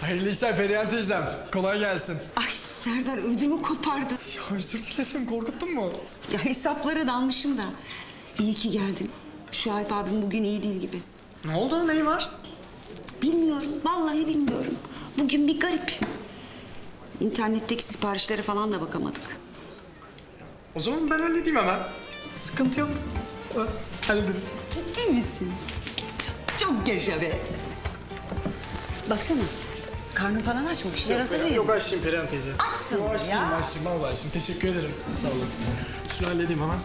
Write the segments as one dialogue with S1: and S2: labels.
S1: Hayırlı işler Perihan teyzem. Kolay gelsin.
S2: Ay Serdar ödümü kopardı.
S1: Ya özür dilerim, korkuttun mu?
S2: Ya hesaplara dalmışım da. İyi ki geldin. Şuayb abim bugün iyi değil gibi.
S1: Ne oldu, neyi var?
S2: Bilmiyorum, vallahi bilmiyorum. Bugün bir garip. İnternetteki siparişlere falan da bakamadık.
S1: O zaman ben halledeyim hemen. Sıkıntı yok. Hallederiz.
S2: Ciddi misin? Çok yaşa be. Baksana, karnın falan aç mı? Bir şeyler hazırlayayım.
S1: Yok açayım Perihan teyze.
S2: Açsın
S1: Yok açayım,
S2: ya.
S1: açayım. Vallahi açayım. Teşekkür ederim. Sağ olasın. Şunu halledeyim hemen.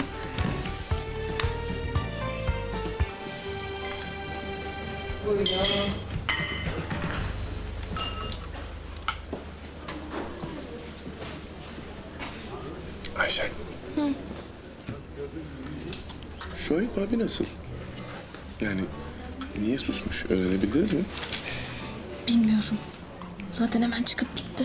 S1: Buyurun.
S3: Ayşen. Hı. Şuayb abi nasıl? Yani niye susmuş? Öğrenebildiniz mi?
S4: Bilmiyorum. Zaten hemen çıkıp gitti.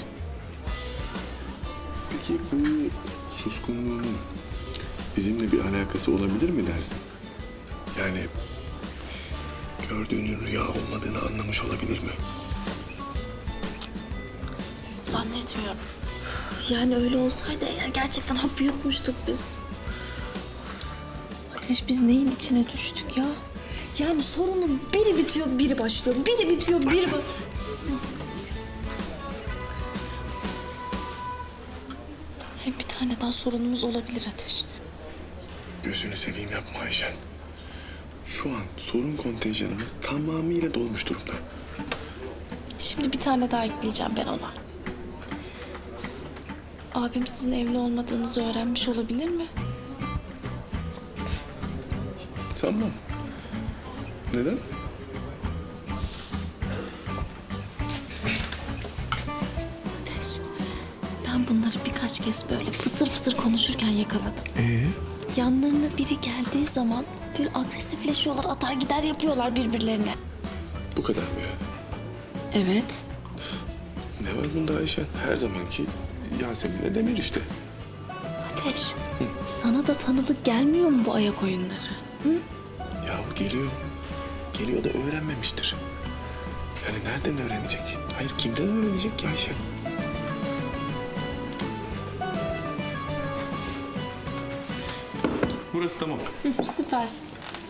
S3: Peki bu suskunluğunun bizimle bir alakası olabilir mi dersin? Yani gördüğünün rüya olmadığını anlamış olabilir mi?
S4: Zannetmiyorum. Yani öyle olsaydı eğer gerçekten hapı yutmuştuk biz. Ateş, biz neyin içine düştük ya? Yani sorunun biri bitiyor, biri başlıyor. Biri bitiyor, biri Hem bir tane daha sorunumuz olabilir Ateş.
S3: Gözünü seveyim yapma Ayşen. Şu an sorun kontenjanımız tamamıyla dolmuş durumda.
S4: Şimdi bir tane daha ekleyeceğim ben ona. Abim sizin evli olmadığınızı öğrenmiş olabilir mi?
S3: Sanmam. Neden?
S4: Ateş, ben bunları birkaç kez böyle fısır fısır konuşurken yakaladım. Yanlarına biri geldiği zaman böyle agresifleşiyorlar, atar gider yapıyorlar birbirlerine.
S3: Bu kadar mı yani?
S4: Evet.
S3: Ne var bunda Ayşen? Her zamanki Yasemin'le Demir işte.
S4: Ateş, sana da tanıdık gelmiyor mu bu ayak oyunları?
S3: Yahu geliyor. Geliyor da öğrenmemiştir. Yani nereden öğrenecek? Hayır kimden öğrenecek ki Ayşen? Burası tamam.
S4: Süpersin.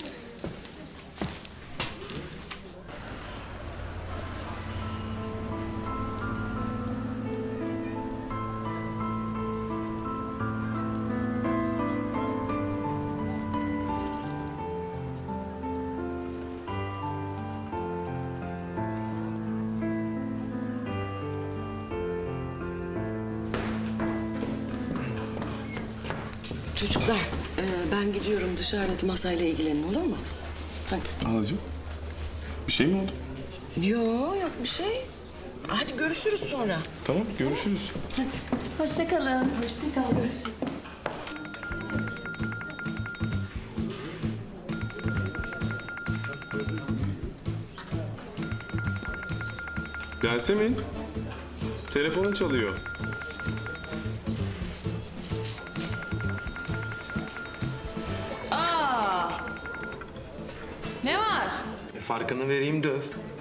S2: Çocuklar, ben gidiyorum dışarıdaki masayla ilgilenin olur mu? Hadi.
S3: Halacığım, bir şey mi oldu?
S2: Yok bir şey. Hadi görüşürüz sonra.
S3: Tamam, görüşürüz.
S4: Hoşça kalın. Hoşça kal, görüşürüz.
S3: Yasemin, telefonun çalıyor.
S5: Ne var?
S6: Farkını vereyim döv.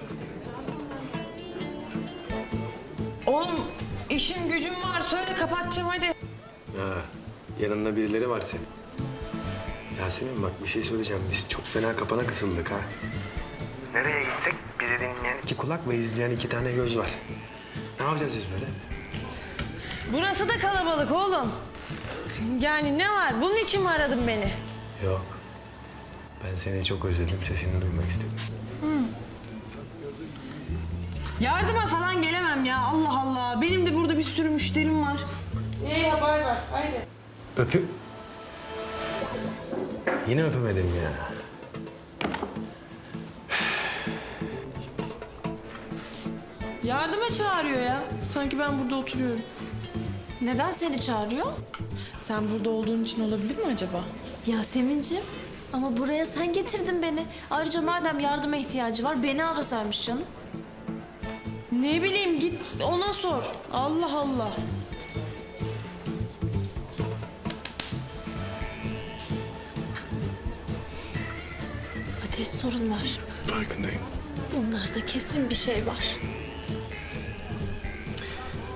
S5: Oğlum işim gücüm var. Söyle kapatacağım hadi.
S6: Ha, yanında birileri var senin. Yasemin bak bir şey söyleyeceğim. Biz çok fena kapana kısıldık ha. Nereye gitsek bizi dinleyen iki kulak ve izleyen iki tane göz var. Ne yapacağız biz böyle?
S5: Burası da kalabalık oğlum. Yani ne var? Bunun için mi aradın beni?
S6: Yok. Ben seni çok özledim. Sesini duymak istedim.
S5: Yardıma falan gelemem ya. Allah Allah. Benim de burada bir sürü müşterim var. İyi haber ver. Haydi.
S6: Öpüp... Yine öpemedim ya.
S5: Yardıma çağırıyor ya. Sanki ben burada oturuyorum.
S4: Neden seni çağırıyor?
S5: Sen burada olduğun için olabilir mi acaba?
S4: Yasemin'ciğim, ama buraya sen getirdin beni. Ayrıca madem yardıma ihtiyacı var, beni arasaymış canım.
S5: Ne bileyim git ona sor. Allah Allah.
S4: Ateş, sorun var.
S3: Farkındayım.
S4: Bunlarda kesin bir şey var.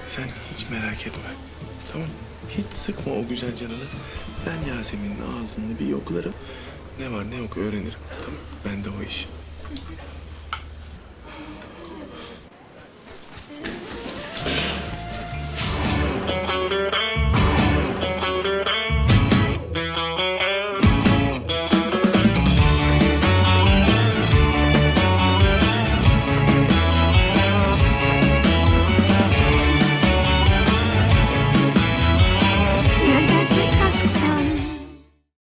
S3: Sen hiç merak etme. Tamam. Hiç sıkma o güzel canını. Ben Yasemin'in ağzını bir yoklarım. Ne var ne yok öğrenirim. Tamam. Ben de o iş.